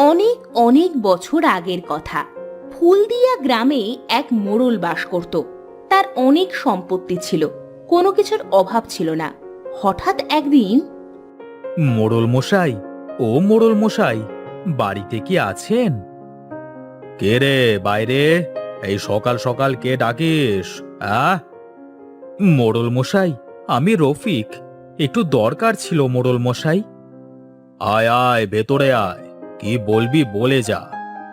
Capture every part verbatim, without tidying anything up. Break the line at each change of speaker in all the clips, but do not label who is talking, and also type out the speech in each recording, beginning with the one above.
অনেক অনেক বছর আগের কথা। ফুলদিয়া গ্রামে এক মোড়ল বাস করত। তার অনেক সম্পত্তি ছিল, কোনো কিছুর অভাব ছিল না। হঠাৎ একদিন,
মোড়ল মশাই, ও মোড়ল মশাই, বাড়িতে কি আছেন? কে রে বাইরে? এই সকাল সকাল কে ডাকিস? আহ মোড়ল মশাই, আমি রফিক। একটু দরকার ছিল মোড়ল মশাই। আয় আয়, ভেতরে আয়। কি বলবি বলে যা।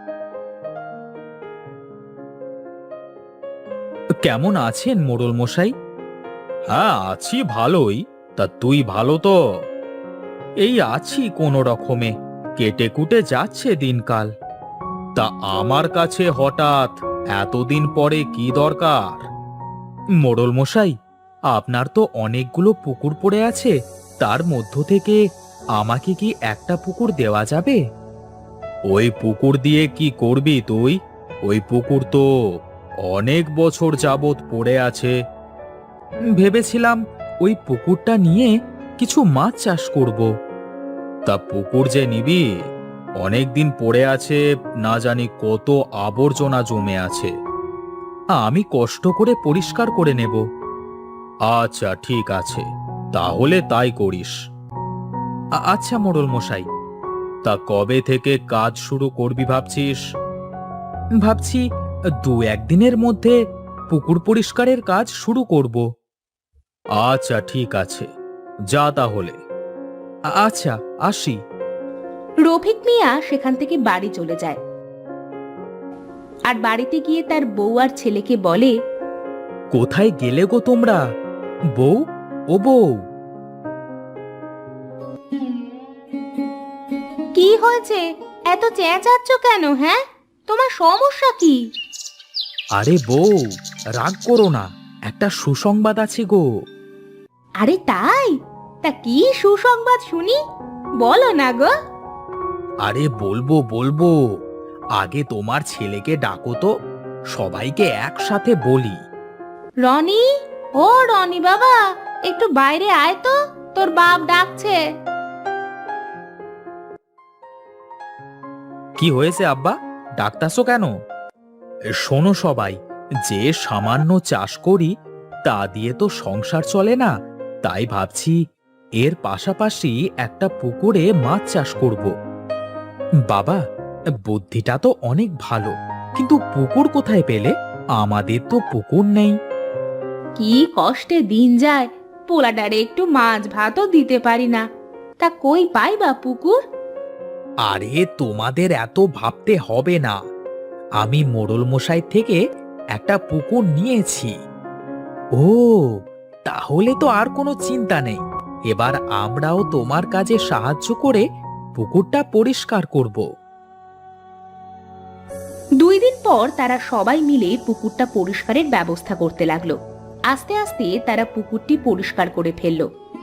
কেমন আছেন মোড়ল মশাই? হ্যাঁ, আছি ভালোই। তা তুই ভালো তো? এই আছি কোনো রকমে, কেটে কুটে যাচ্ছে দিনকাল। তা আমার কাছে হঠাৎ এতদিন পরে কি দরকার? মোড়ল মশাই, আপনার তো অনেকগুলো পুকুর পড়ে আছে, তার মধ্য থেকে আমাকে কি একটা পুকুর দেওয়া যাবে? ওই পুকুর দিয়ে কি করবি তুই? ওই পুকুর তো অনেক বছর যাবৎ পড়ে আছে। ভেবেছিলাম ওই পুকুরটা নিয়ে কিছু মাছ চাষ করব। তা পুকুর যে নিবি, অনেক দিন পড়ে আছে, না জানি কত আবর্জনা জমে আছে। আমি কষ্ট করে পরিষ্কার করে নেব। আচ্ছা ঠিক আছে, তাহলে তাই করিস। আ- আচ্ছা মোড়ল মশাই, তা কবে থেকে কাজ শুরু করবি ভাবছিস? ভাবছি দু একদিনের মধ্যে পুকুর পরিষ্কারের কাজ শুরু করব। আচ্ছা ঠিক আছে, যা তাহলে। আ- আচ্ছা, আসি।
রফিক মিয়া সেখান থেকে বাড়ি চলে যায়। আর বাড়িতে গিয়ে তার বউ আর ছেলেকে বলে,
কোথায় গেলে গো তোমরা? বউ, ও বউ।
কি হয়েছে, এত চেঁচাচ্ছ কেন? হ্যাঁ, তোমার সমস্যা কি?
আরে বউ, রাগ করো না, একটা সুসংবাদ আছে গো।
আরে তাই? তা কি সুসংবাদ শুনি, বলো না গো।
আরে বলবো বলবো, আগে তোমার ছেলেকে ডাকো তো, সবাইকে একসাথে বলি।
রনি, ও রনি বাবা, একটু বাইরে আয় তো, তোর বাপ ডাকছে।
কি হয়েছে আব্বা, ডাকতাছো কেন? শোনো সবাই, যে সামান্য চাষ করি তা দিয়ে তো সংসার চলে না, তাই ভাবছি এর পাশাপাশি একটা পুকুরে মাছ চাষ করব। বাবা, বুদ্ধিটা তো অনেক ভালো, কিন্তু পুকুর কোথায় পেলে? আমাদের তো পুকুর নেই।
কি কষ্টে দিন যায়, পোলাডারে একটু মাছ ভাতও দিতে পারি না, তা কই পাই বা পুকুর?
আরে তোমাদের এত ভাবতে হবে না, আমি মোড়ল মশাই থেকে একটা পুকুর নিয়েছি। ও, তাহলে তো আর কোনো চিন্তা নেই। এবার আমরাও তোমার কাজে সাহায্য করে পুকুরটা পরিষ্কার করব।
দুই দিন পর তারা সবাই মিলে পুকুরটা পরিষ্কারের ব্যবস্থা করতে লাগলো। আস্তে আস্তে তারা পুকুরটি পরিষ্কার করে ফেললো।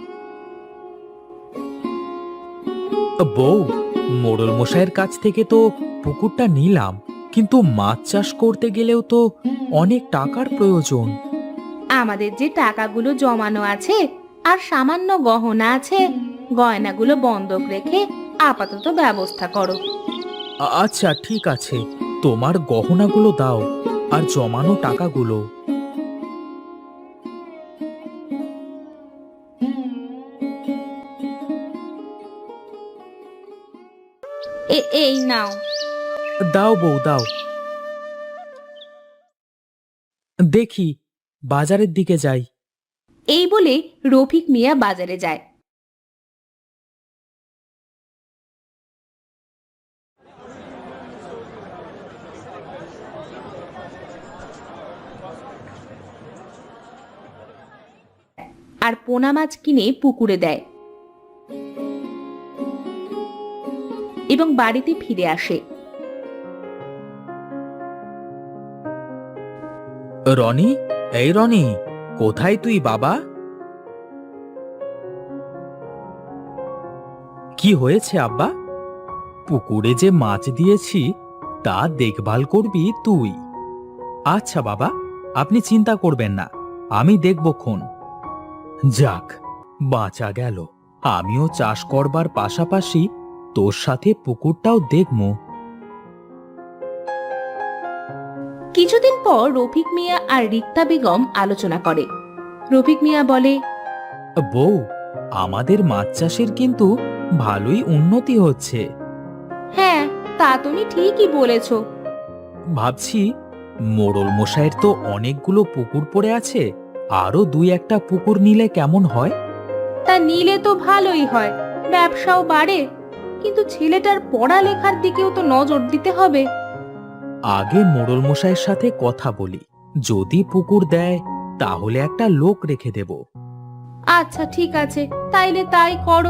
বউ, মোড়ল মশাইয়ের কাছ থেকে তো পুকুরটা নিলাম, কিন্তু মাছ চাষ করতে গেলেও তো অনেক টাকার প্রয়োজন।
আমাদের যে টাকাগুলো জমানো আছে আর সামান্য গহনা আছে, গয়নাগুলো বন্ধক রেখে আপাতত ব্যবস্থা করো।
আ- আচ্ছা ঠিক আছে, তোমার গহনাগুলো দাও আর জমানো টাকাগুলো।
এ এই নাও।
দাও বউ, দাও। দেখি, বাজারের দিকে যাই।
এই বলে রফিক মিয়া বাজারে যায়। আর পোনা মাছ কিনে পুকুরে দেয় এবং বাড়িতে ফিরে আসে।
রনি, এই রনি, কোথায় তুই বাবা? কি হয়েছে আব্বা? পুকুরে যে মাছ দিয়েছি তা দেখভাল করবি তুই। আচ্ছা বাবা, আপনি চিন্তা করবেন না, আমি দেখবক্ষণ। যাক, বাঁচা গেল। আমিও চাষ করবার পাশাপাশি তোর সাথে পুকুরটাও দেখবো।
কিছুদিন পর রফিক মিয়া আর রিক্তা বেগম আলোচনা করে। রফিক মিয়া বলে,
বউ, আমাদের মাছ চাষের কিন্তু ভালোই উন্নতি হচ্ছে।
হ্যাঁ, তা তুমি ঠিকই বলেছ।
ভাবছি মোড়ল মশাইয়ের তো অনেকগুলো পুকুর পড়ে আছে, আরো দুই একটা পুকুর নিলে কেমন হয়?
তা নিলে তো ভালোই হয়, ব্যবসাও বাড়ে, কিন্তু ছেলেটার পড়ালেখার দিকেও তো নজর দিতে হবে।
আগে মোড়ল মশাইয়ের সাথে কথা বলি, যদি পুকুর দেয় তাহলে একটা লোক রেখে দেব।
আচ্ছা ঠিক আছে, তাইলে তাই করো।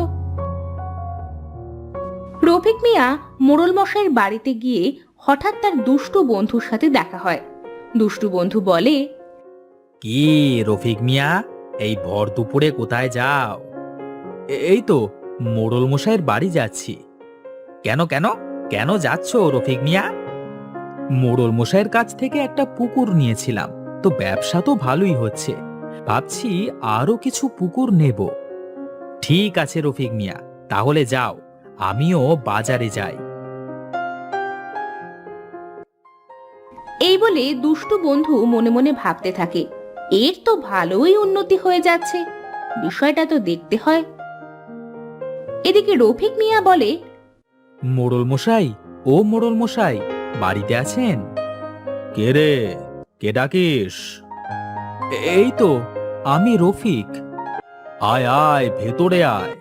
রফিক মিয়া মোড়ল মশাইয়ের বাড়িতে গিয়ে হঠাৎ তার দুষ্টু বন্ধুর সাথে দেখা হয়। দুষ্টু বন্ধু বলে,
কি রফিক মিয়া, এই ভর দুপুরে কোথায় যাও? এ- এই তো মোড়ল মশাইয়ের বাড়ি যাচ্ছি। কেন কেন কেন যাচ্ছ রফিক মিয়া? মোড়ল মশাইয়ের কাছ থেকে একটা পুকুর নিয়েছিলাম, তো ব্যবসা তো ভালোই হচ্ছে, ভাবছি আরো কিছু পুকুর নেব। ঠিক আছে রফিক মিয়া, তাহলে যাও, আমিও বাজারে যাই।
এই বলে দুষ্টু বন্ধু মনে মনে ভাবতে থাকে, এর তো ভালোই উন্নতি হয়ে যাচ্ছে, বিষয়টা তো দেখতে হয়। এদিকে রফিক মিয়া বলে,
মোড়ল মশাই, ও মোড়ল মশাই, বাড়িতে আছেন? কে রে, কে ডাকিস? এই তো আমি রফিক। আয় আয়, ভেতরে আয়।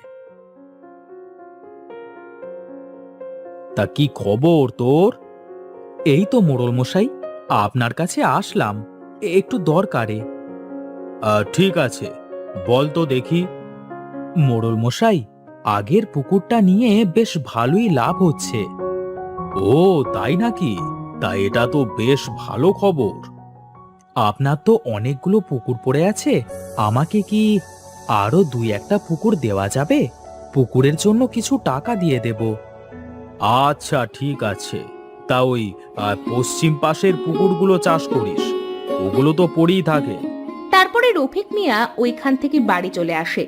তা কি খবর তোর? এই তো মোড়ল মশাই, আপনার কাছে আসলাম একটু দরকারে। আহ, ঠিক আছে, বল তো দেখি। মোড়ল মশাই, আগের পুকুরটা নিয়ে বেশ ভালোই লাভ হচ্ছে। ও তাই নাকি? তা এটা তো বেশ ভালো খবর। আপনার তো অনেকগুলো পুকুর পড়ে আছে, আমাকে কি আরো দুই একটা পুকুর দেওয়া যাবে? পুকুরের জন্য কিছু টাকা দিয়ে দেব। আচ্ছা ঠিক আছে, তা ওই আহ, পশ্চিম পাশের পুকুরগুলো চাষ করিস, ওগুলো তো পড়েই থাকে।
তারপরে রফিক মিয়া ওইখান থেকে বাড়ি চলে আসে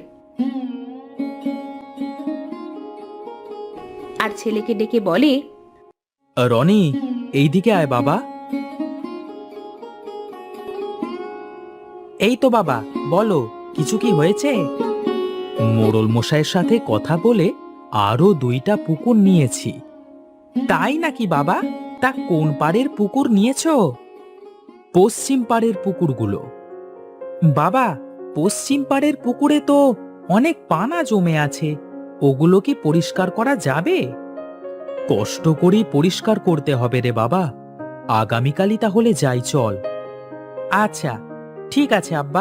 আর ছেলেকে ডেকে বলে,
আহ, রনি, এইদিকে আয় বাবা। এই তো বাবা, বলো, কিছু কি হয়েছে? মোড়ল মশাইয়ের সাথে কথা বলে আরো দুইটা পুকুর নিয়েছি। তাই নাকি বাবা? তা কোন পাড়ের পুকুর নিয়েছো? পশ্চিম পাড়ের পুকুরগুলো। বাবা, পশ্চিম পাড়ের পুকুরে তো অনেক পানা জমে আছে, ওগুলো কি পরিষ্কার করা যাবে? কষ্ট করেই পরিষ্কার করতে হবে রে বাবা, আগামীকালই তাহলে যাই চল। আচ্ছা ঠিক আছে আব্বা।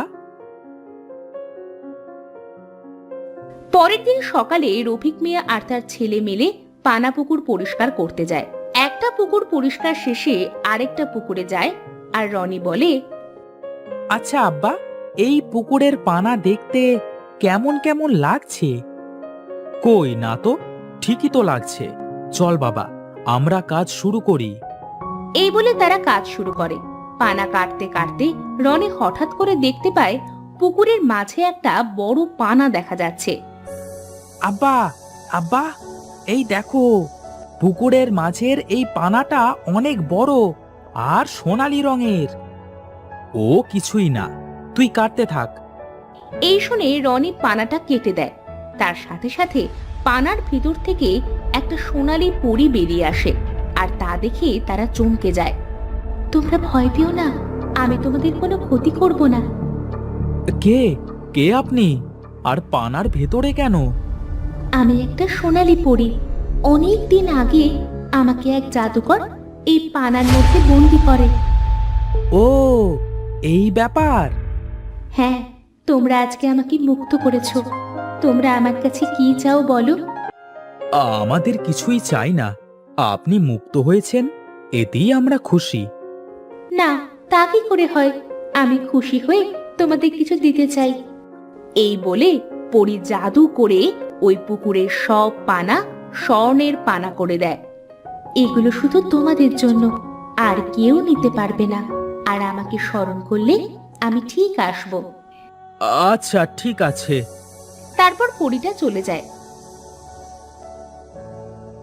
পরের দিন সকালে রফিক মিয়া আর তার ছেলে মিলে পানা পুকুর পরিষ্কার করতে যায়। একটা পুকুর পরিষ্কার শেষে আরেকটা পুকুরে যায় আর রনি বলে,
আচ্ছা আব্বা, এই পুকুরের পানা দেখতে কেমন কেমন লাগছে? কই না তো, ঠিকই তো লাগছে। চল বাবা, আমরা কাজ শুরু করি।
এই বলে তারা কাজ শুরু করে। পানা কাটতে কাটতে রনি হঠাৎ করে দেখতে পায় পুকুরের মাঝে একটা বড় পানা দেখা যাচ্ছে।
আব্বা, আব্বা, এই দেখো, পুকুরের মাঝের এই পানাটা অনেক বড় আর সোনালী রঙের। ও কিছুই না, তুই কাটতে থাক।
এই শুনে রনি পানাটা কেটে দেয়। তার সাথে সাথে পানার ভিতর থেকে একটা সোনালী পরী বেরিয়ে আসে আর তা দেখে তারা চমকে যায়। তোমরা ভয় পেও না, আমি তোমাদের কোনো ক্ষতি করব না।
কে কে আপনি, আর পানার ভেতরে কেন?
আমি একটা সোনালী পরী। অনেক দিন আগে আমাকে এক জাদুকর এই পানার মধ্যে বন্দি করে।
ও, এই ব্যাপার।
হ্যাঁ, তোমরা আজকে আমাকে মুক্ত করেছো। তোমরা আমার কাছে কি চাও বলো?
আমাদের কিছুই চাই না, আপনি মুক্ত হয়েছেন, এতেই আমরা খুশি।
না, তা কি করে হয়? আমি খুশি হয়ে তোমাদের কিছু দিতে চাই। এই বলে পরী জাদু করে ওই পুকুরের সব পানা স্বর্ণের পানা করে দেয়। এগুলো শুধু তোমাদের জন্য, আর কেউ নিতে পারবে না। আর আমাকে স্মরণ করলে আমি ঠিক আসব।
আচ্ছা ঠিক আছে।
তারপর পরীটা চলে যায়।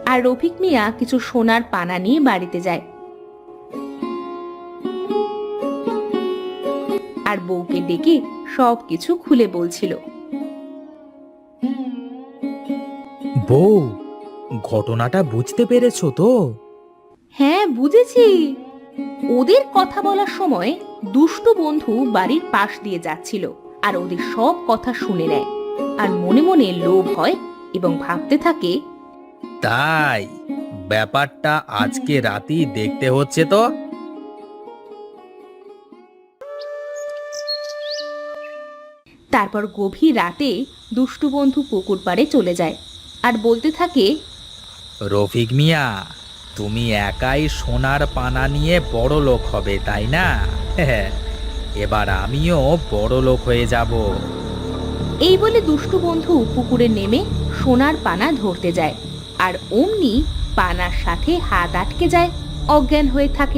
আর রফিক মিয়া কিছু সোনার পানা নিয়ে বাড়িতে যায় আর বউকে ডেকে সবকিছু খুলে বলছিল।
বউ, ঘটনাটা বুঝতে পেরেছো তো?
হ্যাঁ, বুঝেছি। ওদের কথা বলার সময় দুষ্টু বন্ধু বাড়ির পাশ দিয়ে যাচ্ছিল আর ওদের সব কথা শুনে নেয় আর মনে মনে লোভ হয় এবং ভাবতে থাকে,
তাই ব্যাপারটা আজকে রাতেই দেখতে হচ্ছে তো।
তারপর গভীর রাতে দুষ্টু বন্ধু পুকুর পাড়ে চলে যায় আর বলতে থাকে,
রফিক মিয়া, তুমি একাই সোনার পানা নিয়ে বড় লোক হবে, তাই না? এবার আমিও বড় লোক হয়ে যাব।
এই বলে দুষ্টু বন্ধু পুকুরে নেমে সোনার পানা ধরতে যায় আর অমনি পানার সাথে হাত আটকে যায়, অজ্ঞান হয়ে থাকে।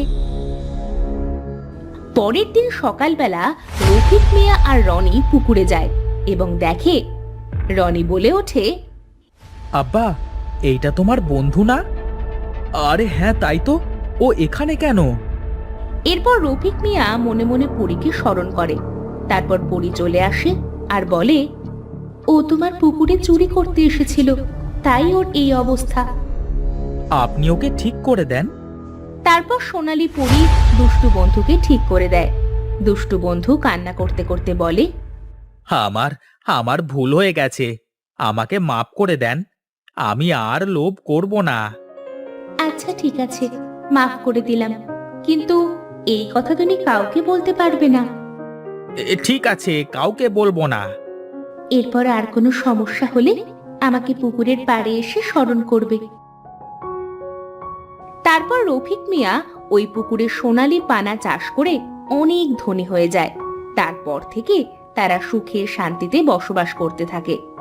পরের দিন সকালবেলা রফিক মিয়া আর রনি পুকুরে যায় এবং দেখে, রনি বলে ওঠে,
আব্বা, এইটা তোমার বন্ধু না? আরে হ্যাঁ, তাই তো। ও এখানে কেন?
এরপর রফিক মিয়া মনে মনে পরীকে স্মরণ করে। তারপর পরী চলে আসে আর বলে, ও তোমার পুকুরে চুরি করতে এসেছিল, তাই ওর এই অবস্থা।
আপনি ওকে ঠিক করে দেন।
তারপর সোনালী পরী দুষ্টু বন্ধুকে ঠিক করে দেয়। দুষ্টু বন্ধু কান্না করতে করতে বলে,
আমার আমার ভুল হয়ে গেছে, আমাকে মাফ করে দেন। আমি আর লোভ করব না।
আচ্ছা ঠিক আছে, মাফ করে দিলাম, কিন্তু এই কথা তুমি কাউকে বলতে পারবে না।
এ, ঠিক আছে, কাউকে বলবো না।
এরপর আর কোনো সমস্যা হলে আমাকে পুকুরের পাড়ে এসে স্মরণ করবে। তারপর রফিক মিয়া ওই পুকুরে সোনালী পানা চাষ করে অনেক ধনী হয়ে যায়। তারপর থেকে তারা সুখে শান্তিতে বসবাস করতে থাকে।